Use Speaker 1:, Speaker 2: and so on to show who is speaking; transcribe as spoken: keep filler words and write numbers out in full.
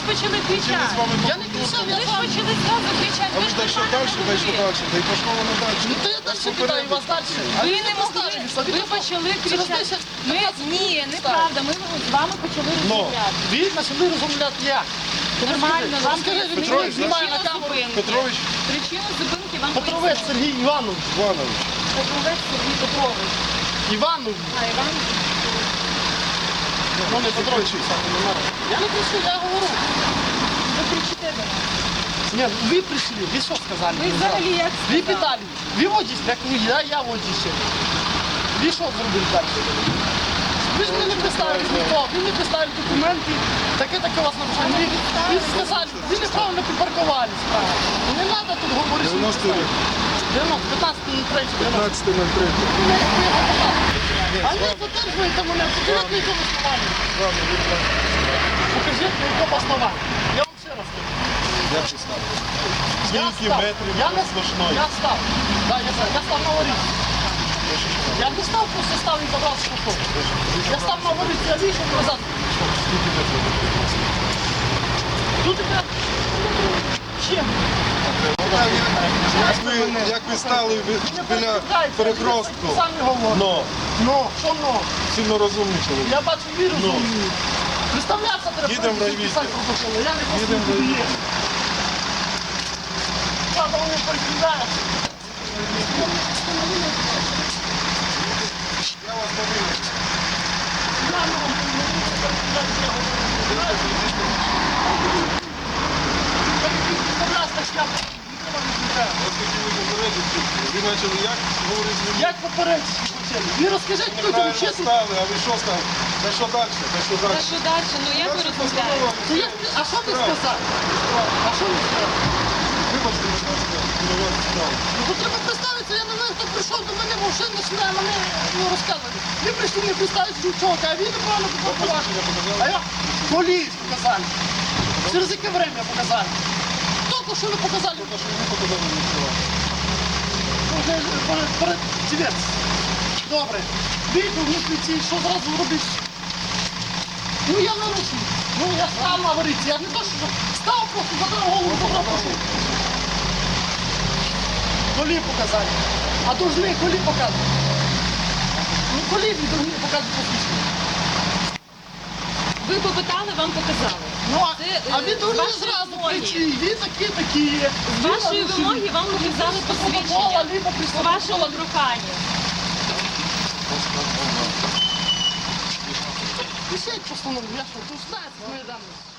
Speaker 1: почали кричати.
Speaker 2: Я не кричав, я
Speaker 1: Ви ж
Speaker 2: вам.
Speaker 1: почали зразу кричати.
Speaker 3: А
Speaker 1: Ви
Speaker 3: ви
Speaker 1: ж
Speaker 3: далі,
Speaker 1: нормально
Speaker 3: далі, далі,
Speaker 1: говорили.
Speaker 3: далі. Та й пішло воно далі.
Speaker 2: Ну то я далі питаю вас далі. А
Speaker 1: Ви
Speaker 2: ви
Speaker 1: не могли,
Speaker 2: поставилися.
Speaker 1: ви почали
Speaker 2: Через
Speaker 1: кричати.
Speaker 2: десять
Speaker 1: Ми, ні, неправда, ми з вами почали розмовляти.
Speaker 2: Ви почали розмовляти як?
Speaker 1: Нормально, вам
Speaker 2: Скажи,
Speaker 1: пояснили
Speaker 2: Петрович, знімає на
Speaker 1: причину
Speaker 2: камеру.
Speaker 1: зупинки.
Speaker 3: Петрович
Speaker 1: Причину зупинки вам
Speaker 2: Петровець
Speaker 1: пояснили.
Speaker 2: Сергій Іванович.
Speaker 3: Іванович.
Speaker 1: Петровець Сергій Петрович.
Speaker 2: Іванович.
Speaker 1: А, Іван?
Speaker 2: Ну не Петрович. Я не кричу, я говорю.
Speaker 1: Ви кричите до нас.
Speaker 2: Ні, ви прийшли, ви що сказали?
Speaker 1: Ви взагалі як
Speaker 2: Ви
Speaker 1: сказали?
Speaker 2: питали, ви водісь, як ви, я, я водісь. Ви що зробили далі? Ви ж мені не представили ніхто, ви не представили документи, таке-таке у вас нарушення. Ви, ви сказали, ви неправильно припаркувались. Не треба тут говорити.
Speaker 3: дев'яностий рік.
Speaker 2: дев'яносто, п'ятнадцятий ноль три.
Speaker 3: п'ятнадцятий ноль три.
Speaker 2: А ви задержуєте мене, покажіть на якому основанні. Покажіть на якому основанні. Я вам ще раз кажу.
Speaker 3: Я пристав.
Speaker 2: Я
Speaker 3: Скільки
Speaker 2: став.
Speaker 3: метрів
Speaker 2: Я не
Speaker 3: сплошної?
Speaker 2: Я став. Да, я, став. я став на воріт. Я не став, просто став і забрав спокійно. Я став на воріт, я вийшов назад.
Speaker 3: Скільки метрів?
Speaker 2: Тут я... Чим?
Speaker 3: Як ви, як ви стали ви- біля перехрестку?
Speaker 2: Самі говорите.
Speaker 3: Но,
Speaker 2: Но, що но?
Speaker 3: сильно розумний чоловік.
Speaker 2: Я бачу вірус. Ну. Представлятися треба.
Speaker 3: Їдемо в райвідділ.
Speaker 2: писати протоколи. Я не просто
Speaker 3: Їдемо в
Speaker 2: туди
Speaker 3: райвідділ.
Speaker 2: є. Правда, вони перекидають.
Speaker 3: Я вас повинен. Вас хотіли попередити. Ви почали як говорити з людьми?
Speaker 2: Як попередити хотіли? Ви розкажіть людям
Speaker 3: Неправильно
Speaker 2: чесно.
Speaker 3: стали, а ви що стали? Та що далі? Та що
Speaker 1: Та
Speaker 3: далі?
Speaker 1: що далі? Ну як ви розмовляєте?
Speaker 2: Ну, як ви- А що ви сказали? А що ви сказали?
Speaker 3: Вибачте, будь ласка, керувати справу.
Speaker 2: Ну то треба представитися, я не знаю, хто прийшов до мене, вже починає мене ну, розказувати. Ви прийшли мені представитися дівчонка, а він неправильно попакував.
Speaker 3: Посвідчення показали?
Speaker 2: А я поліс показали. Через яке время показали? Тільки що ви показали.
Speaker 3: Та що ви показали мені справу?
Speaker 2: Уже перед, перед тівець. Добре. Вийду в митниці, що зразу робиш? Ну я нарушив. Ну я став на варіці. Я не то, що став просто, задрав голову, забрав пошов. Колі показали. А должны колі показувати. Ну колі ви должны показувати посвідчення.
Speaker 1: Ви попитали, вам показали.
Speaker 2: Ну а,
Speaker 1: Це,
Speaker 2: а
Speaker 1: е,
Speaker 2: ви
Speaker 1: з
Speaker 2: должны
Speaker 1: вашої
Speaker 2: зразу
Speaker 1: вимоги.
Speaker 2: прийти. Ви такі, такі.
Speaker 1: З вашої вимоги вам показали посвідчення.
Speaker 2: Либо
Speaker 1: По вашому проханню.
Speaker 2: Пишіть постанову, я що, тут знаєте мої дані.